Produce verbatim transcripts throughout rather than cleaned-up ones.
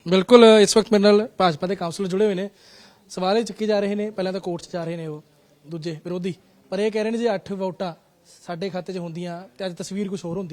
बिल्कुल इस वक्त मेरे नाल भाजपा के काउंसलर जुड़े हुए हैं। सवाल ये चुके जा रहे हैं, पहले तो कोर्ट 'ਚ जा रहे हैं वो दूजे विरोधी, पर ये कह रहे हैं जे अठ वोटां साडे खाते 'ਚ ਹੁੰਦੀਆਂ ਤੇ ਅੱਜ ਤਸਵੀਰ ਕੁਝ ਹੋਰ ਹੁੰਦੀ।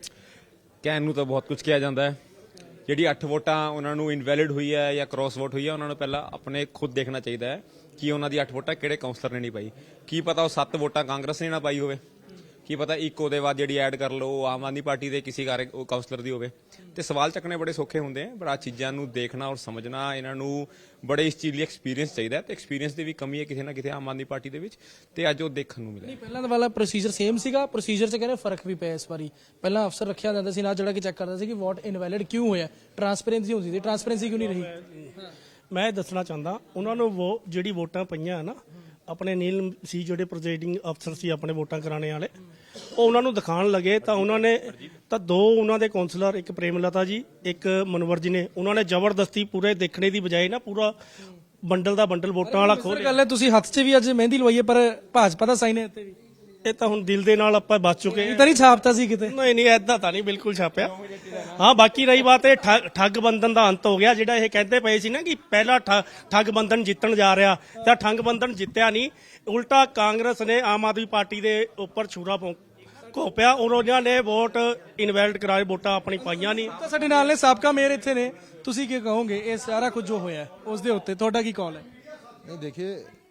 ਕਹਿਣ ਨੂੰ ਤਾਂ ਬਹੁਤ ਕੁਝ ਕਿਹਾ ਜਾਂਦਾ ਹੈ। ਜਿਹੜੀ ਅੱਠ ਵੋਟਾਂ ਉਹਨਾਂ ਨੂੰ ਇਨਵੈਲਿਡ ਹੋਈ ਹੈ ਜਾਂ ਕ੍ਰਾਸ ਵੋਟ ਹੋਈ ਹੈ, ਉਹਨਾਂ ਨੂੰ ਪਹਿਲਾਂ ਆਪਣੇ ਖੁਦ ਦੇਖਣਾ ਚਾਹੀਦਾ ਹੈ ਕਿ ਉਹਨਾਂ ਦੀ ਅੱਠ ਵੋਟਾਂ ਕਿਹੜੇ ਕਾਉਂਸਲਰ ਨੇ ਨਹੀਂ ਪਾਈ। ਕੀ ਪਤਾ ਉਹ ਸੱਤ ਵੋਟਾਂ ਕਾਂਗਰਸ ਨੇ ਨਾ ਪਾਈ ਹੋਵੇ, ਕੀ ਪਤਾ ਇੱਕ ਉਹਦੇ ਬਾਅਦ ਜਿਹੜੀ ਐਡ ਕਰ ਲਓ ਉਹ ਆਮ ਆਦਮੀ ਪਾਰਟੀ ਦੇ ਕਿਸੇ ਕਾਰ ਕਾਉਂਸਲਰ ਦੀ ਹੋਵੇ। ਤੇ ਸਵਾਲ ਚੱਕਣੇ ਬੜੇ ਸੌਖੇ ਹੁੰਦੇ ਆ, ਪਰ ਆ ਚੀਜ਼ਾਂ ਨੂੰ ਦੇਖਣਾ ਔਰ ਸਮਝਣਾ ਇਹਨਾਂ ਨੂੰ ਬੜੇ ਇਸ ਚੀਜ਼ ਲਈ ਐਕਸਪੀਰੀਅੰਸ ਚਾਹੀਦਾ ਤੇ ਐਕਸਪੀਰੀਅੰਸ ਦੀ ਵੀ ਕਮੀ ਹੈ ਕਿਸੇ ਨਾ ਕਿਤੇ ਆਮ ਆਦਮੀ ਪਾਰਟੀ ਦੇ ਵਿੱਚ, ਤੇ ਅੱਜ ਉਹ ਦੇਖਣ ਨੂੰ ਮਿਲਿਆ। ਨਹੀਂ ਪਹਿਲਾਂ ਦਾ ਵਾਲਾ ਪ੍ਰੋਸੀਜਰ ਸੇਮ ਸੀਗਾ, ਪ੍ਰੋਸੀਜਰ 'ਚ ਕਹਿੰਦੇ ਫਰਕ ਵੀ ਪਿਆ ਇਸ ਵਾਰੀ। ਪਹਿਲਾਂ ਅਫਸਰ ਰੱਖਿਆ ਜਾਂਦਾ ਸੀ ਨਾ ਜਿਹੜਾ ਕਿ ਚੈੱਕ ਕਰਦਾ ਸੀ ਕਿ ਵੋਟ ਇਨਵੈਲਿਡ ਕਿਉਂ ਹੋਇਆ, ਟਰਾਂਸਪੇਰੈਂਸੀ ਹੁੰਦੀ ਸੀ, ਟਰਾਂਸਪੇਰੈਂਸੀ ਕਿਉਂ ਨਹੀਂ ਰਹੀ। ਮੈਂ ਇਹ ਦੱਸਣਾ ਚਾਹੁੰਦਾ ਉਹਨਾਂ ਨੂੰ ਉਹ ਜਿਹੜੀ ਵੋਟਾਂ ਪਈਆਂ ਨਾ ਆਪਣੇ ਨੀਲ ਸੀ ਜਿਹੜੇ ਪ੍ਰੈਜ਼ਾਈਡਿੰਗ ਅਫਸਰ ਸੀ ਆਪਣੇ ਵੋਟਾਂ ਕਰਾਣੇ ਵਾਲੇ, ਉਹ ਉਹਨਾਂ ਨੂੰ ਦਿਖਾਉਣ ਲੱਗੇ ਤਾਂ ਉਹਨਾਂ ਨੇ ਤਾਂ ਦੋ ਉਹਨਾਂ ਦੇ ਕਾਉਂਸਲਰ, ਇੱਕ ਪ੍ਰੇਮਲਤਾ ਜੀ ਇੱਕ ਮਨਵਰ ਜੀ ਨੇ, ਉਹਨਾਂ ਨੇ ਜ਼ਬਰਦਸਤੀ ਪੂਰੇ ਦੇਖਣੇ ਦੀ ਬਜਾਏ ਨਾ ਪੂਰਾ ਬੰਡਲ ਦਾ ਬੰਡਲ ਵੋਟਾਂ ਵਾਲਾ ਖੋਲ ਗੱਲ ਹੈ ਤੁਸੀਂ ਹੱਥ 'ਚ ਵੀ ਅੱਜ ਮਹਿੰਦੀ ਲਵਾਈ ਹੈ, ਪਰ ਭਾਜਪਾ ਦਾ ਸਾਈਨ ਹੈ ਇੱਥੇ ਵੀ। ਇਹ ਤਾਂ ਹੁਣ ਦਿਲ ਦੇ ਨਾਲ ਆਪਾਂ ਬਚ ਚੁੱਕੇ ਇਹ ਤਾਂ ਨਹੀਂ ਛਾਪਤਾ ਸੀ ਕਿਤੇ। ਨਹੀਂ ਨਹੀਂ ਐਦਾਂ ਤਾਂ ਨਹੀਂ ਬਿਲਕੁਲ ਛਾਪਿਆ। ਹਾਂ ਬਾਕੀ ਰਹੀ ਬਾਤ ਇਹ ਠੱਗ- ਠੱਗ ਬੰਧਨ ਦਾ ਅੰਤ ਹੋ ਗਿਆ, ਜਿਹੜਾ ਇਹ ਕਹਿੰਦੇ ਪਏ ਸੀ ਨਾ ਕਿ ਪਹਿਲਾ ਠ- ਠੱਗ ਬੰਧਨ ਜਿੱਤਣ ਜਾ ਰਿਹਾ, ਤਾਂ ਠੱਗ ਬੰਧਨ ਜਿੱਤਿਆ ਨਹੀਂ, ਉਲਟਾ ਕਾਂਗਰਸ ਨੇ ਆਮ ਆਦਮੀ ਪਾਰਟੀ ਦੇ ਉੱਪਰ ਛੁਰਾ ਘੋਪਿਆ ਔਰ ਉਹਨਾਂ ਨੇ ਵੋਟ ਇਨਵੈਲਿਡ ਕਰਾਏ, ਵੋਟਾਂ ਆਪਣੀ ਪਾਈਆਂ ਨਹੀਂ। ਤਾਂ ਸਾਡੇ ਨਾਲ ਨੇ ਸਾਬਕਾ ਮੇਅਰ ਇੱਥੇ ਨੇ, ਤੁਸੀਂ ਕੀ ਕਹੋਗੇ ਇਹ ਸਾਰਾ ਕੁਝ ਜੋ ਹੋਇਆ ਉਸ ਦੇ ਉੱਤੇ ਤੁਹਾਡਾ ਕੀ ਕੌਲ ਹੈ? नहीं देखिए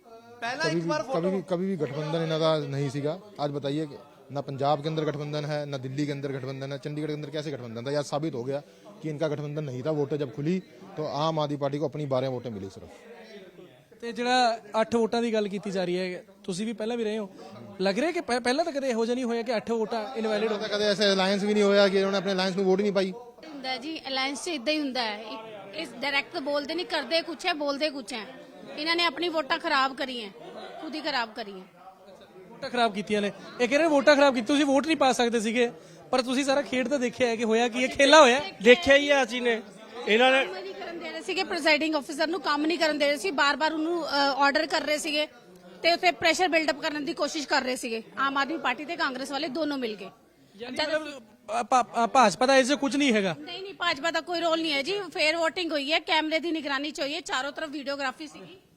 कभी भी कभी भी कभी भी गठबंधन इन्हों का नहीं सीगा। आज बताइए कि ना पंजाब के अंदर गठबंधन है, ना दिल्ली के अंदर गठबंधन है, चंडीगढ़ के अंदर कैसे गठबंधन था? आज साबित हो गया कि इनका गठबंधन नहीं था। वोटें जब खुली तो आम आदमी पार्टी को अपनी बारह वोटें मिली सिर्फ। ਤੇ ਜਿਹੜਾ ਅੱਠ ਵੋਟਾਂ ਦੀ ਗੱਲ ਕੀਤੀ ਜਾ ਰਹੀ ਹੈ, ਤੁਸੀਂ ਵੀ ਪਹਿਲਾਂ ਵੀ ਰਹੇ ਹੋ, ਲੱਗ ਰਿਹਾ ਕਿ ਪਹਿ- ਪਹਿਲਾਂ ਤਾਂ ਕਦੇ ਇਹੋ ਜਿਹਾ ਨਹੀਂ ਹੋਇਆ ਕਿ ਅੱਠ ਵੋਟਾਂ ਇਨਵੈਲਿਡ ਹੋ तो कदे ऐसे अलायंस भी नहीं होया कि उन्होंने अपने अलायंस में वोट ही नहीं पाई। ਹੁੰਦਾ ਜੀ ਅਲਾਈਅੰਸ 'ਚ ਇਦਾਂ ਹੀ ਹੁੰਦਾ ਹੈ। ਇਸ ਡਾਇਰੈਕਟ ਬੋਲਦੇ ਨਹੀਂ, ਕਰਦੇ ਕੁਛ ਹੈ ਬੋਲਦੇ ਕੁਛ ਹੈ। ਇਹਨਾਂ ਨੇ ਆਪਣੀ ਵੋਟਾਂ ਖਰਾਬ ਕਰੀਆਂ, ਖੁਦ ਹੀ ਖਰਾਬ ਕਰੀਆਂ। ਵੋਟਾਂ ਖਰਾਬ ਕੀਤੀਆਂ ਨੇ। ਇਹ ਕਹਿੰਦੇ ਵੋਟਾਂ ਖਰਾਬ ਕੀਤੀ, ਤੁਸੀਂ ਵੋਟ ਨਹੀਂ ਪਾ ਸਕਦੇ ਸੀਗੇ, ਪਰ ਤੁਸੀਂ ਸਾਰਾ ਖੇਡ ਤਾਂ ਦੇਖਿਆ ਹੈ ਕਿ ਹੋਇਆ ਕੀ, ਇਹ ਖੇਲਾ ਹੋਇਆ। ਦੇਖਿਆ ਹੀ ਆ ਅਸੀਂ ਨੇ, ਇਹਨਾਂ ਨੇ ਕੰਮ ਨਹੀਂ ਕਰਨ ਦੇ ਰਹੇ ਸੀਗੇ, ਪ੍ਰੈਜ਼ਾਈਡਿੰਗ ਅਫਸਰ ਨੂੰ ਕੰਮ ਨਹੀਂ ਕਰਨ ਦੇ ਰਹੇ ਸੀ, ਬਾਰ-ਬਾਰ ਉਹਨੂੰ ਆਰਡਰ ਕਰ ਰਹੇ ਸੀਗੇ ਤੇ ਉੱਥੇ ਪ੍ਰੈਸ਼ਰ ਬਿਲਡ ਅਪ ਕਰਨ ਦੀ ਕੋਸ਼ਿਸ਼ ਕਰ ਰਹੇ ਸੀਗੇ ਆਮ ਆਦਮੀ ਪਾਰਟੀ ਤੇ ਕਾਂਗਰਸ ਵਾਲੇ ਦੋਨੋਂ ਮਿਲ ਕੇ। ਮਤਲਬ ਭਾ- ਭਾ- ਭਾਜਪਾ ਦਾ ਇਸ 'ਚ ਕੁਝ ਨਹੀਂ ਹੈਗਾ। ਨਹੀਂ ਨਹੀਂ ਭਾਜਪਾ ਦਾ ਕੋਈ ਰੋਲ ਨਹੀਂ ਹੈ ਜੀ। ਫੇਅਰ ਵੋਟਿੰਗ ਹੋਈ ਹੈ, ਕੈਮਰੇ ਦੀ ਨਿਗਰਾਨੀ ਚ ਹੋਈ ਹੈ, ਚਾਰੋਂ ਤਰਫ ਵੀਡੀਓਗ੍ਰਾਫੀ ਸੀਗੀ।